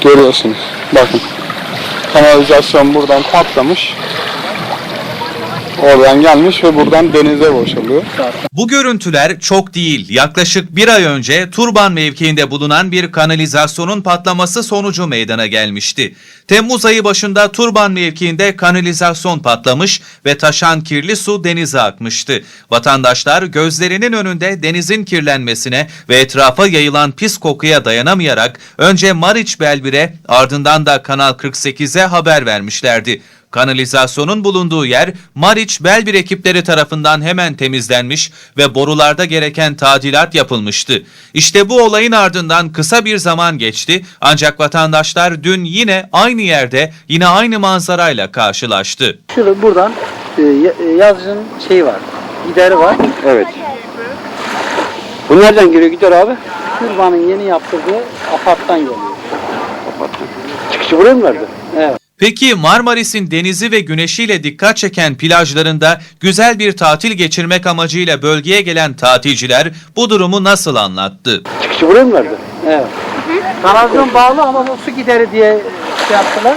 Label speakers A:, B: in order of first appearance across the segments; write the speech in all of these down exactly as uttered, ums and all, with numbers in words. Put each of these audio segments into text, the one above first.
A: Görüyorsunuz. Bakın. Kanalizasyon buradan patlamış. Oradan gelmiş ve buradan denize boşalıyor.
B: Bu görüntüler çok değil. Yaklaşık bir ay önce Turban mevkiinde bulunan bir kanalizasyonun patlaması sonucu meydana gelmişti. Temmuz ayı başında Turban mevkiinde kanalizasyon patlamış ve taşan kirli su denize akmıştı. Vatandaşlar gözlerinin önünde denizin kirlenmesine ve etrafa yayılan pis kokuya dayanamayarak önce Mariç Belbir'e ardından da Kanal kırk sekize haber vermişlerdi. Kanalizasyonun bulunduğu yer Mariç Belbir ekipleri tarafından hemen temizlenmiş ve borularda gereken tadilat yapılmıştı. İşte bu olayın ardından kısa bir zaman geçti ancak vatandaşlar dün yine aynı yerde yine aynı manzarayla karşılaştı.
C: Şurada buradan e, yazıcının şeyi var, gideri var.
D: Evet. Bu nereden giriyor gider abi?
C: Turbanın yeni yaptırdığı aparttan geliyor.
D: Aparttan. Çıkışı buraya mı verdi?
C: Evet.
B: Peki Marmaris'in denizi ve güneşiyle dikkat çeken plajlarında güzel bir tatil geçirmek amacıyla bölgeye gelen tatilciler bu durumu nasıl anlattı?
D: Çıkışı buraya mı verdi?
C: Evet. Kanalizasyon bağlı ama bu su gideri diye şey yaptılar.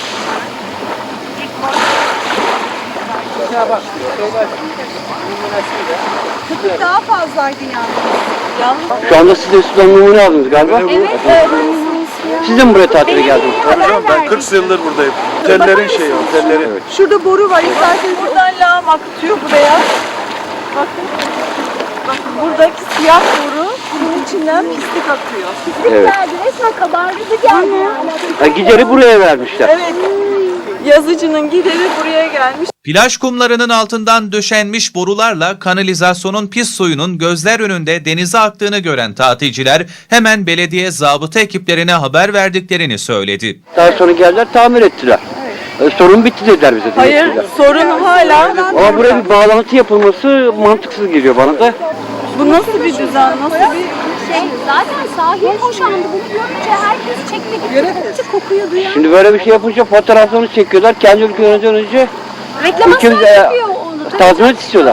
C: Ya bak, şeyler,
E: Köpük daha fazlaydı yani.
D: Şu anda siz de sudan numune aldınız galiba.
E: Evet, evet.
D: Siz de mi buraya tatile geldiniz?
F: Ben kırk yıldır buradayım. Otellerin şeyi, otellerin. Evet.
E: Şurada boru var. İsterseniz buradan lağım akıtıyor buraya. Bakın. Bakın buradaki siyah boru bunun içinden pislik akıyor.
D: Evet.
E: Resmen kabardı geldi.
D: Ha, gideri buraya vermişler.
E: Evet. Yazıcının gideri buraya gelmiş.
B: Plaj kumlarının altından döşenmiş borularla kanalizasyonun pis suyunun gözler önünde denize aktığını gören tatilciler hemen belediye zabıta ekiplerine haber verdiklerini söyledi.
D: Daha sonra geldiler tamir ettiler. Evet. Sorun bitti dediler bize.
E: Hayır,
D: dediler.
E: sorun hala.
D: Ama buraya bir bağlantı yapılması mantıksız geliyor bana da.
E: Bu nasıl bir düzen, nasıl bir...
G: Şey, zaten sahil boşandı. Bunu görünce herkes çekti gitti. Kokuyu duyan.
D: Şimdi böyle bir şey yapınca fotoğraflarını çekiyorlar. Kendi ülkelerine önce
G: Reklamasyon
D: ülkemize
G: yapıyor onu. Tabii,
D: tazminat istiyorlar.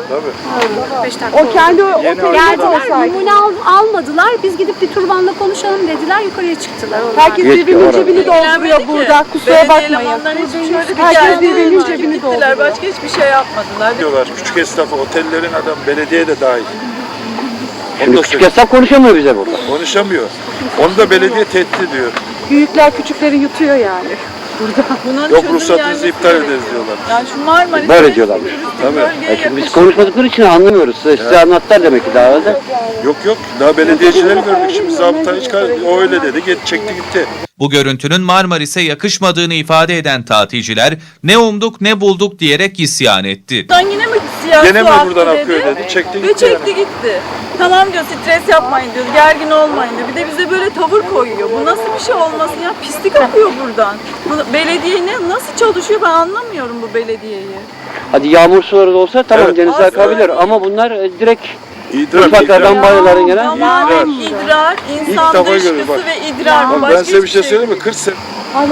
E: O kendi oteli
G: geldiler, numune al, almadılar. Biz gidip bir turbanla konuşalım dediler. Yukarıya çıktılar. Onlar.
E: Herkes
D: Yetki
E: birbirinin
D: orada.
E: cebini dolduruyor burada. Kusura bakmayın. Herkes birbirinin cebini dolduruyor.
H: Başka hiçbir şey yapmadılar.
F: Diyorlar küçük esnafı, otellerin adam, belediye de dahil.
D: Şimdi küçük esnaf konuşamıyor bize burada.
F: Konuşamıyor. Onu da belediye tehdit ediyor.
E: Büyükler küçükleri yutuyor yani.
H: Bunun
F: Yok
H: çözüm
F: ruhsatınızı
H: gelmesi
F: iptal
H: gerekiyor.
F: ederiz diyorlar.
H: Yani şu Marmaris'te
D: Böyle diyorlarmış.
F: Tabii.
D: E çünkü biz konuşmadıkları için anlamıyoruz. Size, size anlattılar demek ki daha önce.
F: Yok yok. Daha belediyecileri gördük. Şimdi zabıta hiç kar- o öyle dedi. Get, çekti gitti.
B: Bu görüntünün Marmaris'e yakışmadığını ifade eden tatilciler ne umduk ne bulduk diyerek isyan etti.
H: Buradan yine mi siyah
F: Gene
H: su
F: mi
H: aktı
F: buradan akıyor dedi. Çekti
H: Ve
F: gitti.
H: çekti
F: yani.
H: gitti. Tamam diyor, stres yapmayın diyor, gergin olmayın diyor. Bir de bize böyle tavır koyuyor. Bu nasıl bir şey olmasın ya? Pislik akıyor buradan. Bu belediye ne, nasıl çalışıyor ben anlamıyorum bu belediyeyi.
D: Hadi yağmur suları da olsa tamam
F: Evet.
D: denize
H: Aslında
D: akabilir
H: değil.
D: ama bunlar e, direkt
F: İdrar,
D: mutfaklardan
F: idrar.
D: banyoların gelen.
H: Tamamen idrar, insan
F: defa
H: dışkısı
F: görüyorum, bak.
H: ve idrar.
F: Bak,
H: Başka
F: ben size bir şey
H: hiçbir
F: söyleyeyim mi? kırk sene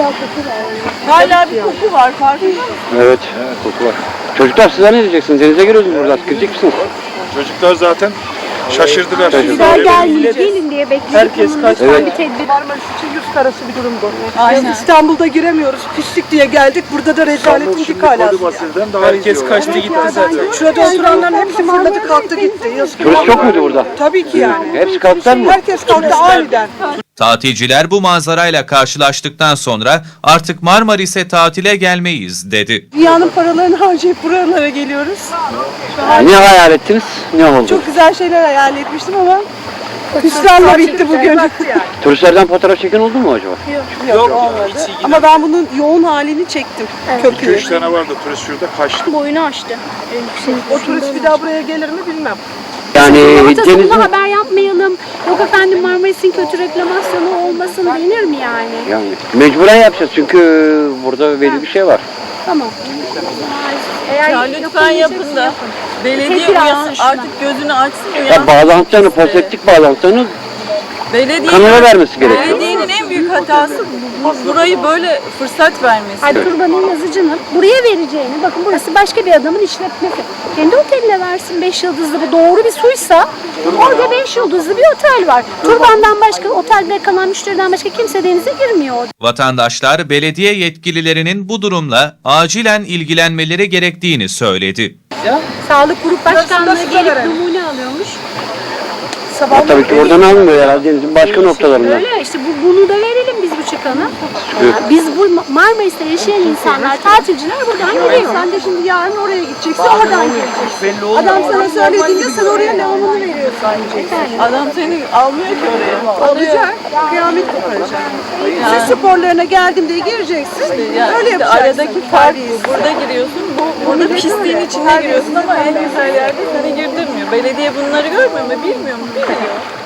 H: Hala bir koku var, farkında mısın?
D: Evet. Koku var. Çocuklar sizler ne diyeceksiniz? Denize giriyorsunuz burada. Girecek misiniz?
F: çocuklar zaten şaşırdılar.
G: Güzel gelmeyecek. Gelin diye bekliyoruz.
C: Herkes kaç-
G: Bir tedbir.
E: Marmaris için yüz karası bir durum bu.
H: Aynen.
E: İstanbul'da giremiyoruz. Pislik diye geldik. Burada da rezaletin dik alası.
F: Herkes kaçtı gitti zaten.
E: Şurada oturanların hepsi fırladı kalktı gitti. Yazık.
D: Turist çok muydu burada?
E: Tabii ki yani.
D: Hepsi kalktılar mı?
E: Herkes kalktı aniden.
B: Tatilciler bu manzarayla karşılaştıktan sonra artık Marmaris'e tatile gelmeyiz dedi.
E: Dünyanın paralarını harcayıp buralara geliyoruz.
D: Ne hayal ettiniz? Ne oldu?
E: Çok güzel şeyler hayal etmiştim ama hüsranla bitti bugün.
D: Turistlerden fotoğraf çeken oldu mu acaba?
E: Yok olmadı. Ama ben bunun yoğun halini çektim.
F: iki
E: Köpüğü.
F: üç tane vardı turist şurada kaçtı.
G: Boyunu açtı.
E: O turist bir daha buraya gelir mi bilmem.
D: Yani
G: Ortasında
D: denizin...
G: haber yapmayalım. Yok efendim Marmaris'in kötü reklamasyonu olmasın denir mi yani?
D: Yani mecburen yapacağız çünkü burada belli bir şey var.
G: Tamam. Eğer
H: Ya lütfen yapın da belediye
G: Tedbir
H: uyan,
G: alsın şuna.
H: artık gözünü açsın
D: Ya
H: uyansın.
D: bağlantılarını, pozitif bağlantılarını
H: Belediye,
D: Kanala vermesi gerekiyor.
H: Belediyenin en büyük hatası bu- burayı böyle fırsat vermesi.
G: Hayır, Turban'ın yazıcının buraya vereceğini, bakın burası başka bir adamın işletmesi. Kendi oteline versin beş yıldızlı, bu doğru bir suysa orada beş yıldızlı bir otel var. Turban'dan başka, otelde kalan müşteriden başka kimse denize girmiyor.
B: Vatandaşlar belediye yetkililerinin bu durumla acilen ilgilenmeleri gerektiğini söyledi.
G: Sağlık Grup Başkanlığı gelip numune alıyormuş.
D: Ha, tabii ki oradan almıyor herhalde denizin başka noktalarından.
G: Öyle işte, bu, bunu da verelim biz bu çıkanı. Biz bu Marmaris'te yaşayan insanlar, tatilciler buradan geliyor.
E: Sen de şimdi yarın oraya gideceksin, oradan geleceksin. Adam sana söylediğinde sen oraya lavabonu veriyorsun.
H: Adam seni almıyor ki oraya.
E: Alacak, kıyamet koparacak. Siz sporlarına geldim diye gireceksin,
H: Yani
E: öyle
H: işte
E: yapacaksın.
H: aradaki fark bu. Burada giriyorsun, bu, burada pisliğin içine giriyorsun ama en güzel yerde seni girdirmiyor. Belediye bunları görmüyor mu, bilmiyor mu? Biliyor.